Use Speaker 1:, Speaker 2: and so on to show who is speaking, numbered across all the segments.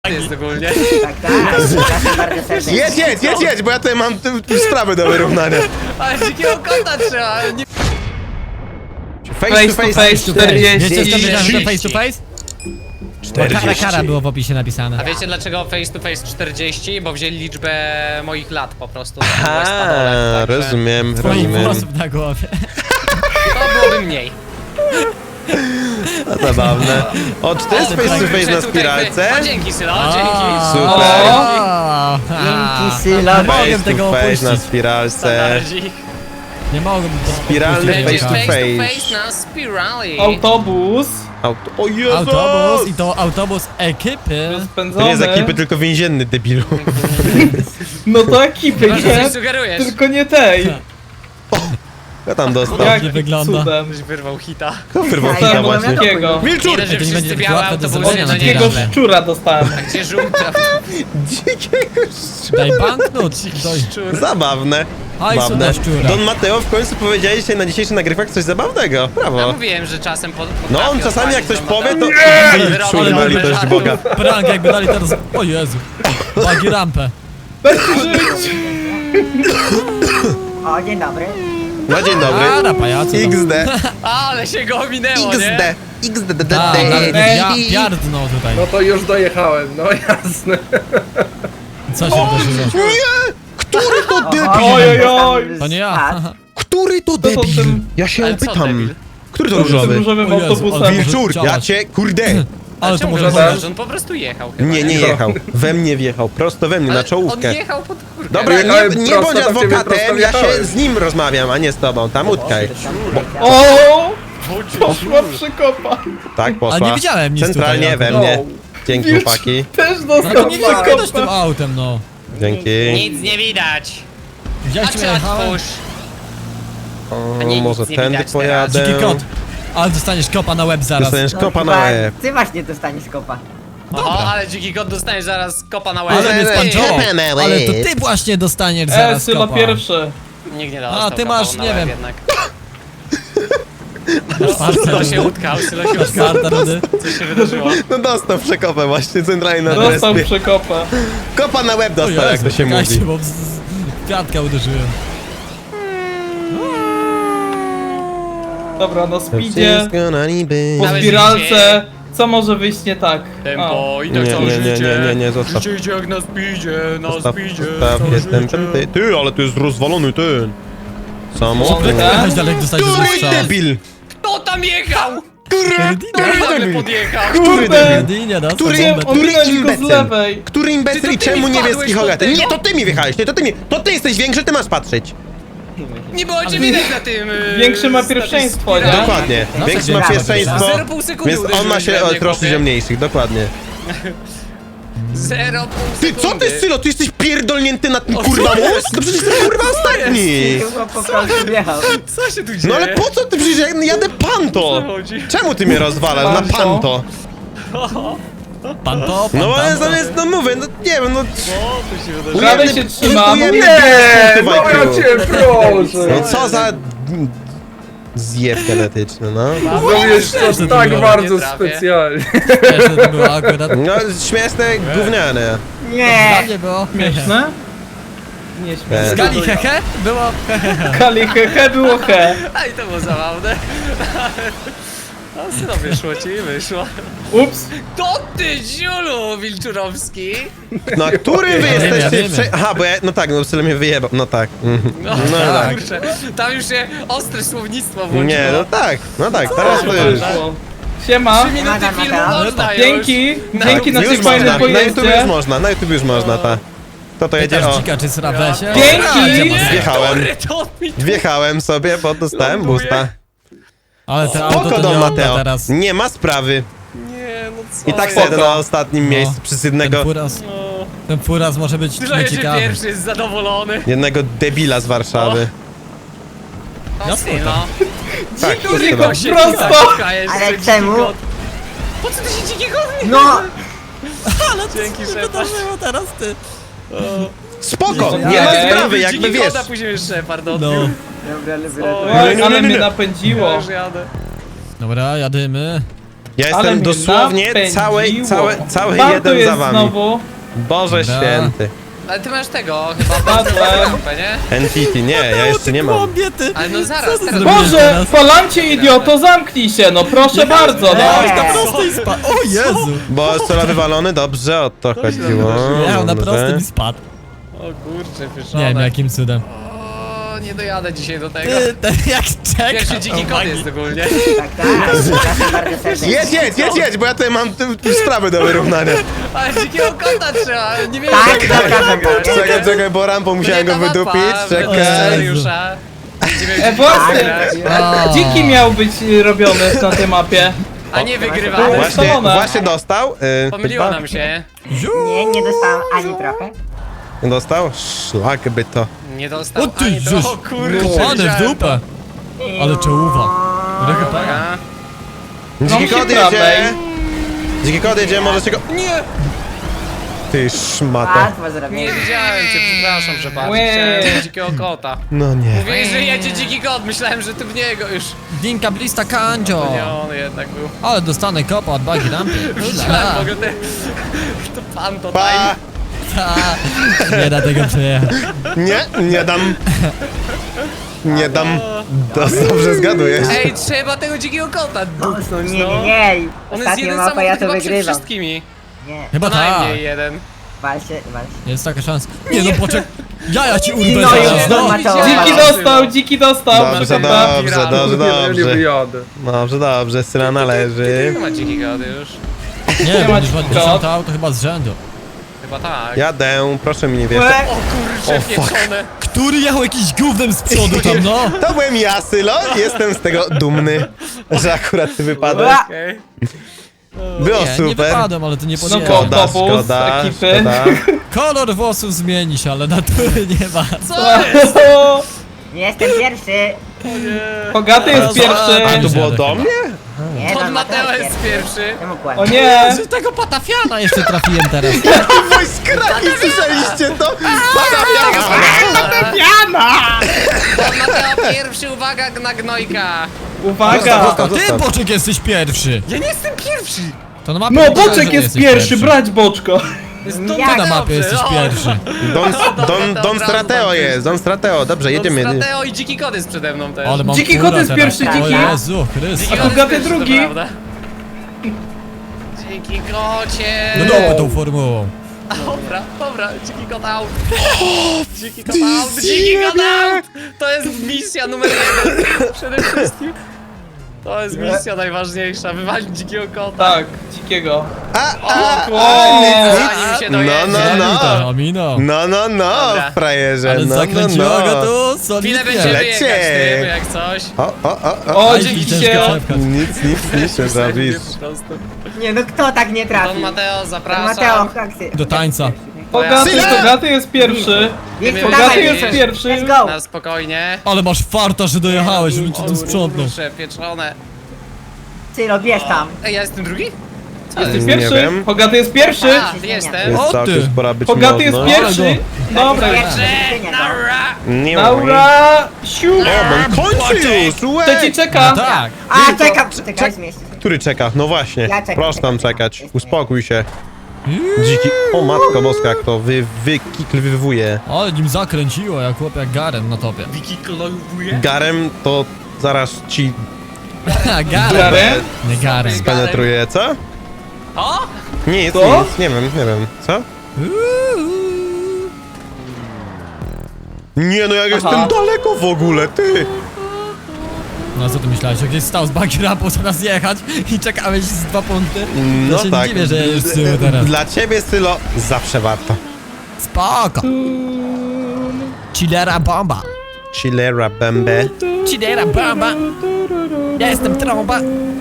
Speaker 1: jest ogólnie.
Speaker 2: Tak, przepraszam bardzo serdecznie.
Speaker 3: Jedź, bo ja tutaj mam sprawę do wyrównania.
Speaker 1: Ale dzikiego kota trzeba. Nie...
Speaker 3: Face to face
Speaker 4: 40.
Speaker 5: Wiecie, co wiedziałem, że to face to face? Bo kara było w opisie napisane.
Speaker 1: A wiecie dlaczego face to face 40? Bo wzięli liczbę moich lat po prostu.
Speaker 3: A, rozumiem.
Speaker 5: Twoich włosów na głowie.
Speaker 1: To byłoby mniej.
Speaker 3: No, zabawne. O, czy to jest face to face na spiralce?
Speaker 1: O, dzięki Sylo, dzięki.
Speaker 3: Super.
Speaker 2: Dzięki, Sylo.
Speaker 5: Nie mogłem
Speaker 3: Face
Speaker 5: tego
Speaker 3: to face na
Speaker 5: opuścić.
Speaker 3: spiralce.
Speaker 1: Standardzik.
Speaker 5: Nie mogłem
Speaker 3: Spiralny
Speaker 5: opuścić
Speaker 3: face to
Speaker 5: tego.
Speaker 1: Face na spirali.
Speaker 4: Autobus
Speaker 3: O Jezus!
Speaker 5: Autobus i to autobus ekipy.
Speaker 3: To
Speaker 4: rozpędzony.
Speaker 3: nie jest ekipy, tylko więzienny, debilu.
Speaker 4: No to ekipy,
Speaker 1: Chyba, że
Speaker 4: nie?
Speaker 1: coś sugerujesz.
Speaker 4: Tylko nie tej.
Speaker 3: Kto tam dostał?
Speaker 4: Jak
Speaker 5: nie wygląda.
Speaker 4: cudem.
Speaker 1: Ktoś wyrwał hita.
Speaker 3: Kto wyrwał
Speaker 2: Ja
Speaker 3: hita
Speaker 2: byłem
Speaker 3: właśnie?
Speaker 2: na
Speaker 4: Takiego.
Speaker 3: Wilczur!
Speaker 1: Nie, że
Speaker 5: to nie
Speaker 1: wszyscy
Speaker 5: będzie
Speaker 1: białe
Speaker 5: łatwe do
Speaker 1: autobusy,
Speaker 5: zobaczenia
Speaker 1: no
Speaker 5: na
Speaker 1: nie
Speaker 4: Takiego
Speaker 5: Nieźle.
Speaker 4: szczura dostałem.
Speaker 1: Gdzie żółta?
Speaker 3: Dzikiego
Speaker 5: Daj banknot. Daj.
Speaker 1: Szczur.
Speaker 3: Zabawne.
Speaker 5: Hajsu
Speaker 3: Zabawne.
Speaker 5: na szczura.
Speaker 3: Don Mateo w końcu powiedziałeś dzisiaj na dzisiejszych nagrywkach coś zabawnego.
Speaker 1: Ja
Speaker 3: Brawo.
Speaker 1: mówiłem, że czasem
Speaker 3: No on czasami jak coś powie, to...
Speaker 1: Wyrobił
Speaker 3: Czuli na
Speaker 1: bez
Speaker 3: litość
Speaker 1: żartu.
Speaker 3: Boga.
Speaker 5: Prank jakby dali teraz... O Jezu. Bagi rampę.
Speaker 2: O, dzień dobry.
Speaker 3: No dzień dobry.
Speaker 5: A, na pajacu.
Speaker 3: XD.
Speaker 1: Ale się go ominęło, nie?
Speaker 3: XD.
Speaker 5: A, nawet piardnął tutaj.
Speaker 6: No to już dojechałem, no jasne.
Speaker 5: Co się wydarzyło?
Speaker 3: Nie! Który to debil?
Speaker 4: Ojojoj.
Speaker 5: To nie ja.
Speaker 3: Który to
Speaker 4: to
Speaker 3: debil?
Speaker 4: ten-
Speaker 3: Ja się
Speaker 1: Ale co
Speaker 3: pytam.
Speaker 1: debil?
Speaker 3: Który to
Speaker 4: Z tym
Speaker 3: różowy?
Speaker 4: różowym
Speaker 5: O Jezu,
Speaker 4: autobusem.
Speaker 5: ale-
Speaker 3: Wilczur, ja
Speaker 5: Działać.
Speaker 3: cię, kurde.
Speaker 5: Ale to
Speaker 1: Czemu
Speaker 5: może...
Speaker 1: go znasz? On po prostu jechał chyba.
Speaker 3: Nie jechał. We mnie wjechał, prosto we mnie,
Speaker 1: Ale
Speaker 3: na czołówkę.
Speaker 1: On jechał pod górkę.
Speaker 3: Dobra,
Speaker 6: Jechałem
Speaker 3: nie
Speaker 6: prosto
Speaker 3: bądź
Speaker 6: do ciebie,
Speaker 3: adwokatem,
Speaker 6: prosto
Speaker 3: ja się
Speaker 6: wjechałem.
Speaker 3: z nim rozmawiam, a nie z tobą. Tam utkaj.
Speaker 4: O! Poszła przykopa.
Speaker 3: Tak, poszła.
Speaker 5: Ale nie widziałem nic
Speaker 3: Centralnie
Speaker 5: tutaj.
Speaker 3: we mnie. Dzięki, chłopaki.
Speaker 4: Też
Speaker 5: No to
Speaker 4: dostał
Speaker 5: nie jechałeś tym
Speaker 4: przykopę.
Speaker 5: autem, no.
Speaker 3: Dzięki.
Speaker 1: Nic nie widać. A
Speaker 5: Widziałeś,
Speaker 1: czy
Speaker 5: gdzie jechałem?
Speaker 1: otwórz? A nie,
Speaker 3: O, może
Speaker 1: nic nie
Speaker 3: tędy
Speaker 1: widać
Speaker 3: pojadę.
Speaker 5: Dziki kot. Ale dostaniesz kopa na łeb zaraz.
Speaker 3: Dostaniesz kopa na
Speaker 2: chyba
Speaker 3: łeb.
Speaker 2: Ty właśnie dostaniesz kopa.
Speaker 1: O, ale dziki kot dostaniesz zaraz kopa na łeb.
Speaker 5: Ale mnie
Speaker 3: Ej,
Speaker 5: spanczował.
Speaker 3: kopa na łeb.
Speaker 5: Ale to ty właśnie dostaniesz zaraz
Speaker 4: Sylo
Speaker 5: kopa.
Speaker 4: pierwszy.
Speaker 1: Nikt nie dostał
Speaker 5: A, ty
Speaker 1: kopa
Speaker 5: masz,
Speaker 1: na
Speaker 5: nie
Speaker 1: łeb
Speaker 5: wiem.
Speaker 1: jednak.
Speaker 5: Masz farta,
Speaker 1: Sylo się
Speaker 5: Rudy.
Speaker 1: utkał, Sylo się
Speaker 5: Masz
Speaker 1: utkał.
Speaker 5: farta, Rudy.
Speaker 1: Co się wydarzyło?
Speaker 3: No dostał przekopę właśnie, centralnie na
Speaker 4: Dostał
Speaker 3: respie.
Speaker 4: przykopę.
Speaker 3: Kopa na łeb
Speaker 5: O
Speaker 3: dostał, jak
Speaker 5: Jezu,
Speaker 3: to się
Speaker 5: czekajcie,
Speaker 3: mówi.
Speaker 5: bo kwiatka uderzyłem.
Speaker 4: Dobra, na speedzie.
Speaker 3: Wszystko na niby.
Speaker 4: Po
Speaker 1: Nawet
Speaker 4: spiralce. Co może wyjść nie tak?
Speaker 1: Tempo i
Speaker 3: Nie,
Speaker 1: tak całe
Speaker 3: nie, nie,
Speaker 1: życie.
Speaker 3: nie, zostaw.
Speaker 1: Życie idzie jak na speedzie, na
Speaker 3: Zostaw,
Speaker 1: speedzie.
Speaker 3: zostaw,
Speaker 1: całe
Speaker 3: jestem
Speaker 1: życie.
Speaker 3: ten ty, ale tu jest rozwalony ten. Samochód.
Speaker 4: Dobra.
Speaker 5: Jechać dalej, dostaniesz
Speaker 3: Który
Speaker 5: strzał.
Speaker 3: debil?
Speaker 1: Kto tam jechał?
Speaker 3: Który
Speaker 1: Nagle
Speaker 3: debil?
Speaker 1: podjechał.
Speaker 3: Który
Speaker 4: Kurde.
Speaker 3: debil?
Speaker 5: Jedynie dostał
Speaker 3: Który-
Speaker 5: bombę.
Speaker 4: Ominąć go z
Speaker 3: imbecyl?
Speaker 4: lewej.
Speaker 3: Który imbecyl
Speaker 1: Ty
Speaker 3: i
Speaker 1: to ty
Speaker 3: czemu
Speaker 1: mi
Speaker 3: niebieski
Speaker 1: wpadłeś
Speaker 3: hogaty?
Speaker 1: do tego?
Speaker 3: Nie, to ty mi wjechałeś, nie, to ty jesteś większy, ty masz patrzeć.
Speaker 1: Nie było cię widać na tym...
Speaker 4: Większy ma
Speaker 1: na tej
Speaker 4: pierwszeństwo, nie?
Speaker 1: spirali.
Speaker 3: Dokładnie.
Speaker 5: No,
Speaker 3: Większy
Speaker 5: tak,
Speaker 3: ma
Speaker 5: tak,
Speaker 3: pierwszeństwo,
Speaker 1: 0,5 sekundy
Speaker 3: więc on ma się
Speaker 1: uderzyłeś we mnie,
Speaker 3: troszczyć
Speaker 1: chłopie.
Speaker 3: o mniejszych, dokładnie.
Speaker 1: 0,5
Speaker 3: Ty,
Speaker 1: sekundy.
Speaker 3: co ty, Sylo, ty jesteś pierdolnięty na tym kurwa most? No przecież ty kurwa ostatni!
Speaker 2: Chyba po prostu wjechał.
Speaker 1: Co się tu dzieje?
Speaker 3: No ale po co ty, przecież ja jadę panto!
Speaker 1: Co chodzi?
Speaker 3: Czemu ty mnie rozwalasz na
Speaker 4: Panto?
Speaker 3: panto?
Speaker 5: Pan to, pan
Speaker 3: No ale
Speaker 5: tam.
Speaker 3: zamiast, no mówię, no nie wiem, no...
Speaker 1: Co tu się wydarzyło?
Speaker 4: Prawie się trzymam.
Speaker 3: ujemny
Speaker 6: Nie,
Speaker 3: punktów
Speaker 6: no ja
Speaker 3: IQ.
Speaker 6: cię proszę.
Speaker 3: No co za... Zjeb genetyczny, no.
Speaker 6: Zrobiłeś
Speaker 5: Też
Speaker 6: to
Speaker 5: to
Speaker 6: tak
Speaker 5: było.
Speaker 6: bardzo
Speaker 1: Nie trafię.
Speaker 6: specjalnie.
Speaker 5: Śmieszne to było akurat.
Speaker 3: No, śmieszne, gówniane.
Speaker 5: Dla
Speaker 2: Nie!
Speaker 5: mnie było.
Speaker 4: Śmieszne? Nie śmieszne.
Speaker 5: Skali hehe? Było hehe.
Speaker 4: Kali he było he.
Speaker 1: A i to było zabawne. No, co wyszło ci, wyszło.
Speaker 4: Ups.
Speaker 1: To ty, Ziulu Wilczurowski.
Speaker 3: No, a który wy
Speaker 5: Wiemy,
Speaker 3: jesteście...
Speaker 5: wiemy.
Speaker 3: Aha, bo ja... No tak, no Sylo mnie wyjebał, no tak. Mhm.
Speaker 1: No,
Speaker 3: No tak.
Speaker 1: kurczę, tam już się ostre słownictwo włączyło.
Speaker 3: Nie, no tak, teraz to już...
Speaker 4: Siema.
Speaker 1: 3 minuty
Speaker 2: Siema,
Speaker 1: filmu
Speaker 2: Mateo.
Speaker 1: można już.
Speaker 4: Dzięki. Dzięki na
Speaker 3: Już
Speaker 4: tym
Speaker 3: można,
Speaker 4: fajnym
Speaker 3: na YouTube już
Speaker 4: pojeździe.
Speaker 3: można, na YouTube już można, ta. To jedzie,
Speaker 5: Pytasz
Speaker 3: o.
Speaker 5: dzika, czy sra w lesie?
Speaker 4: Dzięki.
Speaker 5: Nie,
Speaker 3: Wjechałem.
Speaker 1: Sorry, to mi
Speaker 3: Wjechałem sobie, bo dostałem
Speaker 1: Ląduje.
Speaker 3: boosta.
Speaker 5: Ale to auto
Speaker 3: Spoko,
Speaker 5: to
Speaker 3: Don
Speaker 5: nie odda
Speaker 3: Mateo.
Speaker 5: teraz.
Speaker 3: Nie ma sprawy.
Speaker 1: Nie, no co
Speaker 3: I tak
Speaker 1: jest?
Speaker 3: sobie na ostatnim miejscu przez
Speaker 5: Ten
Speaker 3: jednego...
Speaker 5: furas,
Speaker 1: No.
Speaker 5: ten furas może być
Speaker 1: Dużo jedzie
Speaker 5: nieciekawy.
Speaker 1: pierwszy, jest zadowolony.
Speaker 3: Jednego debila z Warszawy.
Speaker 1: No,
Speaker 5: Ja
Speaker 1: no.
Speaker 3: Tak,
Speaker 1: Dziku,
Speaker 3: to
Speaker 1: Dziku się
Speaker 4: prosto.
Speaker 1: dzika jeszcze,
Speaker 2: Ale
Speaker 1: dziki
Speaker 2: czemu?
Speaker 1: kot. Po co ty się dzikiego
Speaker 2: No!
Speaker 1: Dzięki,
Speaker 5: Co się
Speaker 1: Shepard.
Speaker 5: wydarzyło teraz, ty?
Speaker 3: Spoko,
Speaker 4: Nie,
Speaker 3: nie ma
Speaker 4: nie,
Speaker 3: sprawy, jakby
Speaker 1: Dziki
Speaker 3: wiesz.
Speaker 1: kota, później już Shepard
Speaker 5: No.
Speaker 1: odbił.
Speaker 2: Dobra, lubię
Speaker 1: O,
Speaker 4: Oj,
Speaker 3: nie,
Speaker 4: ale
Speaker 3: nie,
Speaker 4: mnie
Speaker 3: nie.
Speaker 4: napędziło.
Speaker 1: Już jadę.
Speaker 5: Dobra, jadymy.
Speaker 3: Ja
Speaker 4: Ale
Speaker 3: jestem
Speaker 4: mnie
Speaker 3: dosłownie
Speaker 4: napędziło.
Speaker 3: cały
Speaker 4: Bartu
Speaker 3: jeden
Speaker 4: jest
Speaker 3: za wami.
Speaker 4: znowu.
Speaker 3: Boże
Speaker 5: Da.
Speaker 3: święty.
Speaker 1: Ale ty masz tego, chyba
Speaker 4: Padłem.
Speaker 1: lampę, nie?
Speaker 3: Entity, nie, ja jeszcze nie mam.
Speaker 5: Głąbie, ty.
Speaker 1: Ale no zaraz, teraz...
Speaker 5: zrobiłeś
Speaker 4: Boże,
Speaker 5: teraz?
Speaker 4: Falancie idioto, zamknij się, no proszę bardzo, no.
Speaker 2: Nie.
Speaker 5: Na prostej spadł. O Jezu.
Speaker 3: Bo sola wywalony, dobrze, o to chodziło.
Speaker 5: Jechał na
Speaker 3: Dobrze.
Speaker 5: prostym i spadł.
Speaker 1: O kurczę,
Speaker 5: Nie
Speaker 1: pyszone.
Speaker 5: wiem jakim cudem.
Speaker 1: O, nie dojadę dzisiaj do tego.
Speaker 5: Ty, ten jak czeka.
Speaker 1: Pierwszy dziki kot jest ogólnie.
Speaker 2: Tak, tak. Przepraszam bardzo serdecznie.
Speaker 3: Jedź, bo ja tutaj mam sprawy do wyrównania.
Speaker 1: Ale dzikiego kota trzeba, nie wiem
Speaker 2: Tak, zapraszam.
Speaker 3: Czekaj, bo rampą musiałem go wydupić, czekaj.
Speaker 1: Scenariusza.
Speaker 4: Właśnie,
Speaker 5: O.
Speaker 4: dziki miał być robiony na tej mapie.
Speaker 1: A nie wygrywamy.
Speaker 3: Właśnie dostał.
Speaker 1: Pomyliło
Speaker 3: chyba.
Speaker 1: nam się.
Speaker 2: Nie dostałam ani trochę.
Speaker 3: Dostał? Szlak by to.
Speaker 1: Nie dostał
Speaker 5: O ty,
Speaker 1: ani to.
Speaker 5: żeż.
Speaker 1: O kurczę,
Speaker 5: Kopany w
Speaker 1: widziałem
Speaker 5: dupę. Ale czołuwa. Trochę pana.
Speaker 1: Dobra.
Speaker 3: Dziki
Speaker 4: się
Speaker 3: kot
Speaker 4: prawej.
Speaker 3: jedzie. Dziki kot jedzie, możecie go... Nie! Ty szmata.
Speaker 2: Łatwo
Speaker 1: Nie
Speaker 2: zrobienie.
Speaker 1: widziałem cię, przepraszam, że bardzo
Speaker 4: Łe.
Speaker 1: chciałem dzikiego kota.
Speaker 3: No nie.
Speaker 1: Mówiłeś, że jedzie dziki kot, myślałem, że ty w niego już.
Speaker 5: Dinka blista kandzio.
Speaker 1: Nie, on jednak był.
Speaker 5: Ale dostanę kopa od bagi rampy.
Speaker 1: Widziałem w ogóle te... To pan to
Speaker 3: Pa!
Speaker 1: time.
Speaker 5: Nie da tego przejechać.
Speaker 3: Nie dam. Nie dam. Dobrze zgadujesz.
Speaker 1: Ej, trzeba tego dzikiego kota dupnąć,
Speaker 2: Nie,
Speaker 1: no.
Speaker 2: nie, nie.
Speaker 1: On jest
Speaker 2: Ostatnia
Speaker 1: jeden
Speaker 2: mapa,
Speaker 1: samochód
Speaker 2: ja to
Speaker 1: chyba przed
Speaker 2: wygrywam.
Speaker 1: wszystkimi.
Speaker 2: Nie,
Speaker 5: Chyba
Speaker 1: Co
Speaker 5: tak.
Speaker 1: najmniej jeden.
Speaker 2: walcie.
Speaker 5: Jest taka szansa. Nie no poczekaj. Ja ci urwę
Speaker 2: No
Speaker 5: zaraz,
Speaker 2: już,
Speaker 5: no.
Speaker 2: Mateo.
Speaker 4: Dziki dostał.
Speaker 3: Dobrze,
Speaker 4: proszę
Speaker 3: dobrze.
Speaker 6: Nie wyjadę.
Speaker 3: Dobrze, syna należy.
Speaker 1: Nie ma dziki kot już.
Speaker 5: Nie,
Speaker 4: ma
Speaker 5: będziesz miał
Speaker 4: dziki
Speaker 5: 10
Speaker 4: kot.
Speaker 5: auto chyba z rzędu.
Speaker 1: Chyba tak.
Speaker 3: Jadę, proszę mi nie wierzyć.
Speaker 2: Łe.
Speaker 1: O kurczę,
Speaker 3: O, fuck.
Speaker 1: pieczone.
Speaker 5: Który jechał jakiś gównem z przodu tam, no?
Speaker 3: To byłem ja, Sylo. Jestem z tego dumny, że akurat ty wypadłeś.
Speaker 2: Ła.
Speaker 1: Okej.
Speaker 3: Było
Speaker 5: Nie, nie
Speaker 3: super.
Speaker 5: wypadłem, ale to nie
Speaker 4: No
Speaker 5: podjechał.
Speaker 4: to- Autobus, ekipy.
Speaker 5: Kolor włosów zmieni się, ale natury nie ma.
Speaker 1: Co jest?
Speaker 2: Nie jestem pierwszy.
Speaker 4: Bogaty jest pierwszy.
Speaker 3: A to było do mnie?
Speaker 2: Nie,
Speaker 1: Don
Speaker 2: no,
Speaker 1: Mateo jest pierwszy.
Speaker 2: Czemu
Speaker 4: O
Speaker 2: kłamie?
Speaker 4: nie.
Speaker 5: Z tego patafiana jeszcze trafiłem teraz.
Speaker 3: Wojskraki, słyszeliście to?
Speaker 1: Don Mateo pierwszy, uwaga na gnojka.
Speaker 4: Uwaga.
Speaker 3: Zostaw,
Speaker 5: Ty,
Speaker 3: zostaw.
Speaker 5: Boczek, jesteś pierwszy.
Speaker 1: Ja nie jestem pierwszy.
Speaker 5: To na mapie
Speaker 4: No,
Speaker 5: napisane,
Speaker 4: Boczek
Speaker 5: że
Speaker 4: jest
Speaker 5: jesteś
Speaker 4: pierwszy, brać Boczko.
Speaker 1: Jest
Speaker 2: Don
Speaker 5: Ty na
Speaker 1: dobrze,
Speaker 5: mapie jesteś
Speaker 1: o.
Speaker 5: pierwszy.
Speaker 3: Don Strateo jest, Don Strateo. Dobrze, jedziemy.
Speaker 1: Don Strateo i dziki kot jest przede mną też.
Speaker 5: Ale mam
Speaker 4: Dziki
Speaker 5: fura
Speaker 4: kot jest
Speaker 5: teraz.
Speaker 4: pierwszy,
Speaker 5: O
Speaker 4: dziki.
Speaker 5: Jezu, Chryste.
Speaker 1: Dziki
Speaker 4: A
Speaker 1: kot jest
Speaker 4: Bogaty
Speaker 1: pierwszy, to
Speaker 4: drugi.
Speaker 1: prawda. Dziki kocie.
Speaker 5: No dupy tą formułą.
Speaker 1: Dobra, dziki kot out. Dziki kot out, dziki kot out. To jest misja numer 1. Przede wszystkim. To jest misja najważniejsza, wywalić dzikiego kota.
Speaker 4: Tak, dzikiego.
Speaker 1: Zanim się dojedzie.
Speaker 3: No.
Speaker 5: Omino.
Speaker 3: No,
Speaker 1: Dobra.
Speaker 3: frajerze,
Speaker 5: Ale
Speaker 3: no.
Speaker 5: zakręciła go tu
Speaker 1: Chwilę
Speaker 5: solidnie.
Speaker 1: będziemy
Speaker 3: Lecie.
Speaker 1: jechać tym, jak coś.
Speaker 4: O,
Speaker 5: Aj,
Speaker 4: dzięki
Speaker 5: ciężko
Speaker 4: się.
Speaker 5: przepchać.
Speaker 3: Nic nie zrobisz.
Speaker 1: Po prostu.
Speaker 2: Nie, no kto tak nie
Speaker 1: Don
Speaker 2: trafił?
Speaker 1: Mateo,
Speaker 2: Don
Speaker 1: zapraszam.
Speaker 2: Mateo, haksy.
Speaker 5: Do tańca.
Speaker 4: Bogaty jest pierwszy.
Speaker 2: Wilku,
Speaker 1: Bogaty
Speaker 2: dawaj,
Speaker 4: jest
Speaker 2: Wilku.
Speaker 4: pierwszy.
Speaker 2: Let's go.
Speaker 1: Na spokojnie.
Speaker 5: Ale masz farta, że dojechałeś, żebym cię tu sprzątnął.
Speaker 1: Kurczę, pieczone.
Speaker 2: Sylo, bierz tam.
Speaker 1: Ej, ja jestem drugi?
Speaker 4: Jesteś
Speaker 3: Nie
Speaker 4: pierwszy?
Speaker 3: wiem.
Speaker 4: Bogaty jest pierwszy.
Speaker 1: A, jestem.
Speaker 3: Jest
Speaker 5: O,
Speaker 3: całkiem
Speaker 5: ty.
Speaker 3: spora być
Speaker 4: Bogaty jest
Speaker 3: można.
Speaker 4: pierwszy. Dobra,
Speaker 2: Pierwszy.
Speaker 1: Naura!
Speaker 3: Nie
Speaker 4: Laura, siu.
Speaker 3: O, bo kończy już, łe!
Speaker 4: To ci czeka.
Speaker 5: Tak.
Speaker 2: A, czekaj, zmieść.
Speaker 3: Który czeka? No właśnie,
Speaker 2: Ja czekam.
Speaker 3: proszę tam czekać. Uspokój się. Dziki... O matko boska, jak to wykiklwywuje.
Speaker 5: Ale nim zakręciło, jak chłop jak Garen na topie.
Speaker 1: Wiki klojuje?
Speaker 3: Garem to zaraz ci
Speaker 5: Garen.
Speaker 4: Garen?
Speaker 5: Nie Garen.
Speaker 3: penetruje, co?
Speaker 1: O!
Speaker 3: Nic,
Speaker 4: Co?
Speaker 3: nic, nie wiem. Co? Nie no, jak jestem daleko w ogóle, ty!
Speaker 5: No co ty myślałeś, że gdzieś stał z bagi rampą zamiast jechać i czekałeś z 2 punkty?
Speaker 3: No
Speaker 5: To się
Speaker 3: tak.
Speaker 5: nie dziwię, że jedziesz z tyłu teraz.
Speaker 3: Dla ciebie, Sylo, zawsze warto.
Speaker 5: Spoko. Chillera bomba.
Speaker 3: Chillera bembe.
Speaker 5: Chillera bomba. Ja jestem trąba.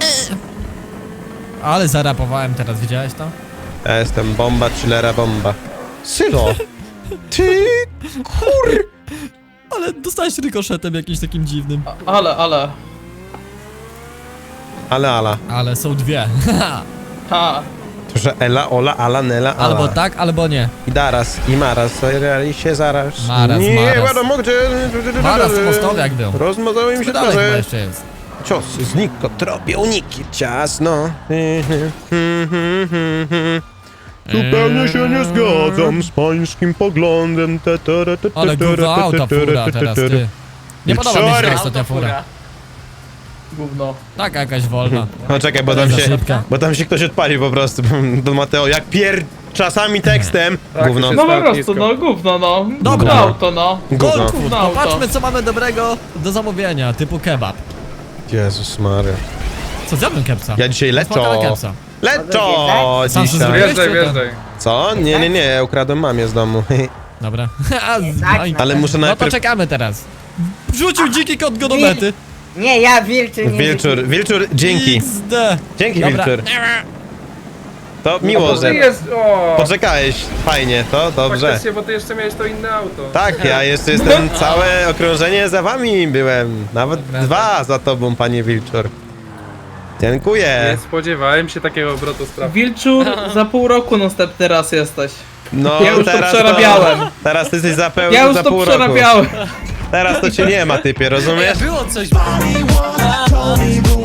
Speaker 5: Ale zarapowałem teraz, widziałeś to?
Speaker 3: Ja jestem bomba, chillera bomba. Sylo! Ty! Kur...
Speaker 5: Ale dostałeś rykoszetem jakimś takim dziwnym.
Speaker 4: Ale.
Speaker 3: Ale.
Speaker 5: Ale są dwie.
Speaker 4: Ha.
Speaker 3: To, że Ela, Ola, Ala, Nela, Ala.
Speaker 5: Albo tak, albo nie.
Speaker 3: I Daras, i Maras, reali się zaraz.
Speaker 5: Maras,
Speaker 3: Nie,
Speaker 5: Maras.
Speaker 3: wiadomo gdzie...
Speaker 5: Maras mostowiak był.
Speaker 3: Rozmazały mi
Speaker 5: To
Speaker 3: się
Speaker 5: dalej chyba
Speaker 3: twarze.
Speaker 5: jeszcze jest.
Speaker 3: Ciosy znikło, tropię uniki, ciasno. Zupełnie się nie zgadzam z pańskim poglądem.
Speaker 5: Ale gówno auta fura teraz, ty. Nie podoba mi się ta ostatnia fura.
Speaker 4: Gówno.
Speaker 5: Taka jakaś wolna.
Speaker 3: No czekaj, bo tam się ktoś odpalił po prostu. Don Mateo, jak czasami tekstem.
Speaker 6: Tak,
Speaker 3: Gówno.
Speaker 6: to
Speaker 4: No
Speaker 6: się-
Speaker 4: po
Speaker 6: Tak,
Speaker 4: prostu,
Speaker 6: nisko.
Speaker 4: no gówno, no.
Speaker 5: Dobra.
Speaker 4: Gówno auto, no.
Speaker 3: Gówno.
Speaker 5: Gold food,
Speaker 4: Gówno auto.
Speaker 5: popatrzmy co mamy dobrego do zamówienia, typu kebab.
Speaker 3: Jezus Maria.
Speaker 5: Co, zjadłem kepsa?
Speaker 3: Ja dzisiaj
Speaker 5: Smakała
Speaker 3: leczo.
Speaker 5: kepsa.
Speaker 3: Leczo
Speaker 5: Sam się
Speaker 3: dzisiaj.
Speaker 5: zrobiłeś?
Speaker 6: Wjeżdżaj, wjeżdżaj.
Speaker 3: Co? Nie, ja ukradłem mamie z domu.
Speaker 5: Dobra.
Speaker 3: Ale muszę
Speaker 5: No to
Speaker 3: najpierw...
Speaker 5: czekamy teraz. Wrzucił dziki kot go do mety.
Speaker 2: Nie, ja wilczy nie.
Speaker 3: Wilczur, dzięki.
Speaker 5: XD.
Speaker 3: Dzięki,
Speaker 5: Dobra.
Speaker 3: Wilczur. To miło,
Speaker 6: Bo ty
Speaker 3: że
Speaker 6: jest... O!
Speaker 3: poczekałeś. Fajnie, to dobrze.
Speaker 6: Faktycznie, bo ty jeszcze miałeś to inne auto.
Speaker 3: Tak, ja jeszcze jestem całe okrążenie za wami byłem. Nawet
Speaker 5: Dobra.
Speaker 3: 2 za tobą, panie Wilczur. Dziękuję.
Speaker 6: Nie spodziewałem się takiego obrotu spraw.
Speaker 4: Wilczur, za pół roku następny raz jesteś.
Speaker 3: No
Speaker 4: Ja już to
Speaker 3: teraz
Speaker 4: przerabiałem.
Speaker 3: Teraz ty jesteś za
Speaker 4: Ja już
Speaker 3: za
Speaker 4: to
Speaker 3: pół roku.
Speaker 4: przerabiałem.
Speaker 3: Teraz to cię nie ma, typie, rozumiesz?
Speaker 1: Było coś...
Speaker 7: Told me